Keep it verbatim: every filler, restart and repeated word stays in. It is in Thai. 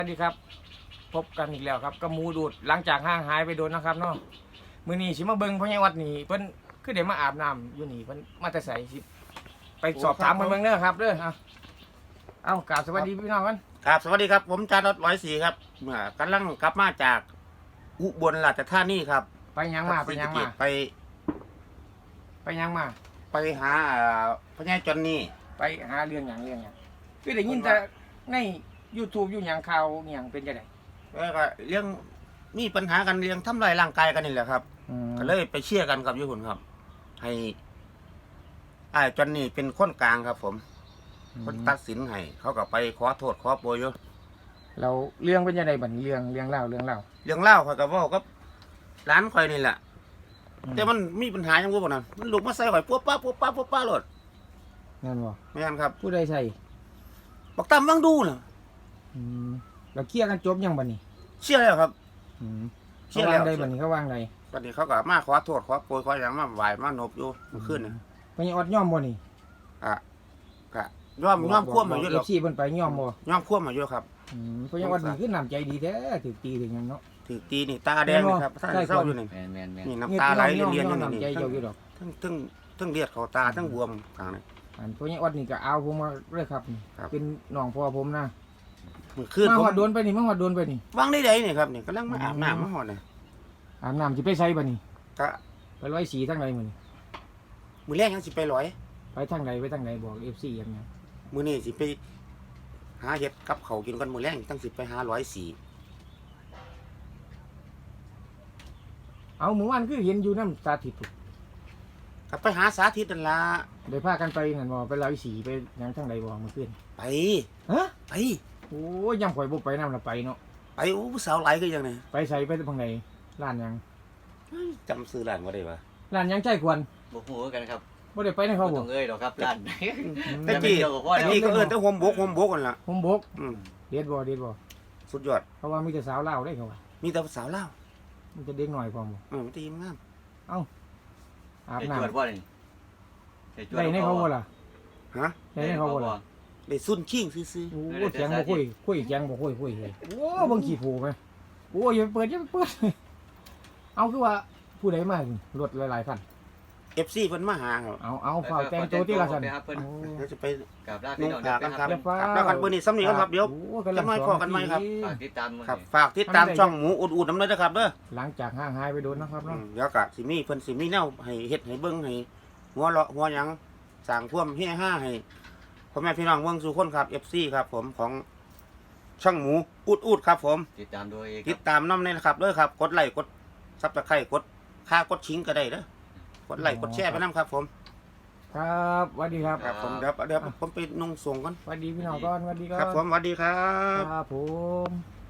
สวัสดีครับพบกันอีกแล้วครับกับหมูดูดหลังจากห่างหายไปโดนนะครับเนาะมื้อนี้สิมาเบิ่งพ่อใหญ่วัดนี่เพิ่นคือได้มาอาบน้ำอยู่นี่เพิ่นมาแต่ไสสิไปสอบถามเพิ่นเบิ่งเด้อครับเด้อเอาเอากราบสวัสดีพี่น้องกันครับสวัสดีครับผมจารถร้อยสี่ครับเมื่อกำลังกลับมาจากอุบลราชธานีครับไปยังมาไปยังมาไปไปยังมาไปหาพญาจอนนี่ไปหาเรื่องหยังเรื่องหยังคือได้ยินแต่ใน YouTube อยู่หยังข่าวอหยังเป็นจังได๋แล้วก็เรื่องมีปัญหากันเรื่องทำลายร่างกายกันนี่แหละครับก็เลยไปเชี่ยร์กันกับยุคนครับ ให้ไอ้จอนนี่เป็นคนกลางครับ ผมคนตัดสินให้เขาก็ไปขอโทษขอโปรยอยู่เราเรื่องเป็นจังได๋บัดนี้เรื่องเรื่องเล่าเรื่องเล่าเรื่องเล่าเขาก็เว้ากับร้านข่อยนี่แหละแต่มันมีปัญหาอย่างว่าบ่นั่นมันลุกมาใส่ข่อยปุ๊บปั๊บปุ๊บปั๊บปุ๊บปั๊บโลดนั่นบ่ไม่งั้นครับผู้ใดใส่บักตามวังดูน่ะอืมเราเคลียร์กันจบยังบัดนี้เชื่อแล้วครับอืมเชื่เขาอวาแล้วงใดบัดนี้เขาวางใดวันนี้เขาก็มาขอโทษขอโปรยขออย่างมาไหวมานบอยู่เมื่อคืนนี่เพิ่นยังอดย่อมบ่นี่อ่ะก็ย่อมย่อมควบมาอยู่เอหรอกฟซีเพิ่นไปย่อมบ่ย่อมควบมาอยู่ครับอืมเพิ่นยังอดนี่คือน้ำใจดีแท้ถึกตีถึงหยังเนาะถือตีนี่ตาแดงนี่ครับท่านเศร้าอยู่นี่แมนแมนแมนนี่น้ำตาไหลเรียนย่ๆอยู่อมนี่น้ำใจนี่เจ้าอยู่ดอกทั้งทั้งทั้งเลือดเข้าตาทั้งบวมข้างนี้อันเพิ่นยังอดนี่ก็เอาผมมาเลยครับนี่ครับเป็นน้องพ่อผมนะเมื่อคืนมาผฮมอดโดนไปนี่มาฮอดโดนไปนี่วางได้ไดนี่ครับนี่กำลังมาอาบน้ำมาหอดนี่อาบน้ำสิไปไสบัดนี้ก็ไปร้อยสีทางใดมื้อนี้มือแรกยังสิไปร้อยไปทางใดไปทางใดบอก เอฟ ซี อย่างเงี้ยมือนี้สิไปหาเห็ดกับเขาวกินกันมือแรกตั้งสิไปหาร้อยสี่เอาหมู่บ้านคือเห็นอยู่น้ำสาธิตก็ไปหาสาธิตนั่นละได้พากันไปนั่นบ่ไปร้อยสีไปหยังทางใดบ่เมื่อคืนไปฮะไปโอ้ยยังข่อยบ่ไปนำละไปเนาะไปโอ้ผู้สาวไหลก็ยังไงไปใส่ไปทางใดร้านหยังจำซื้อร้านว่าได้ปะร้านหยังใจควรบกหูกันครับบ่ได้ไปในเขาบ่บ่ต้องเอ้ยหรอกครับร้านตะกี้ตะกี้ก็เอิ้นแต่โฮมบกโฮมบกกันล่ะผมบกอืมเด็ดบ่เด็ดบ่สุดยอดเพราะว่ามีแต่สาวลาวได้เขาว่ามีแต่สาวเล่าวมีแต่เด็กหน่อยพร้อมบ่อืมมันตีมงามอาบไอ้น้ำจวดบ่นี่ไอ้จวได้ในเขาบ่ล่ะฮะได้ในเขาบ่ล่ะได้ซุ่นชิงซื่อโอ้เสียงบ่คุยคุยเสียงบ่คุยคุยเลยโอ้เบิ่งขี้โผไหมโอ้ยอย่าไปเปิดอย่าไปเปิดเอาคือว่าผู้ใดมารถหลายๆคันๆ เอฟ ซี เพิ่นมาหาครับเอาเอาเฝ้าแต่งตัวที่ละคันไปครับเพิ่นโอ้เดี๋ยวจะไปกราบลานุ่พี่งน้องขากันครับเด้อครับแล้วกันมื้อนี้ซ้ำนี้กันครับเดี๋ยวโอ้กำลังจะมาขอกันไหมครับฝากติดตามมื้อครับนี้ฝากติดตามช่องหมูอุดๆน้ำเลยนะครับเด้อหลังจากห่างหายไปโดนนะครับอืเนาะมเดี๋ยวก็สิมีเพิ่นสิมีแนวให้เฮ็ดให้เบิ่งให้หัวเราะหัวหยังสร้างท่วามเฮฮาให้พ่อแม่พี่น้องเบิ่งสู่คนครับ เอฟ ซี ครับ ผมของช่องหมูอุดๆครับ ผมติดตามโดยติดตามน้ำเลยนะครับเด้อครับ กดไลค์กดซับสไครต์กดค่ากดชิงก็ได้เด้อกดไลค์กดแชร์ไปน้ำครับ ผมครับสวัสดีครับครับผมเดี๋ยวเดี๋ยวผมไปนุ่งส่งก่อนสวัสดีพี่น้องก่อนสวัสดีคครัรับบผมสวัสดีครับครับผม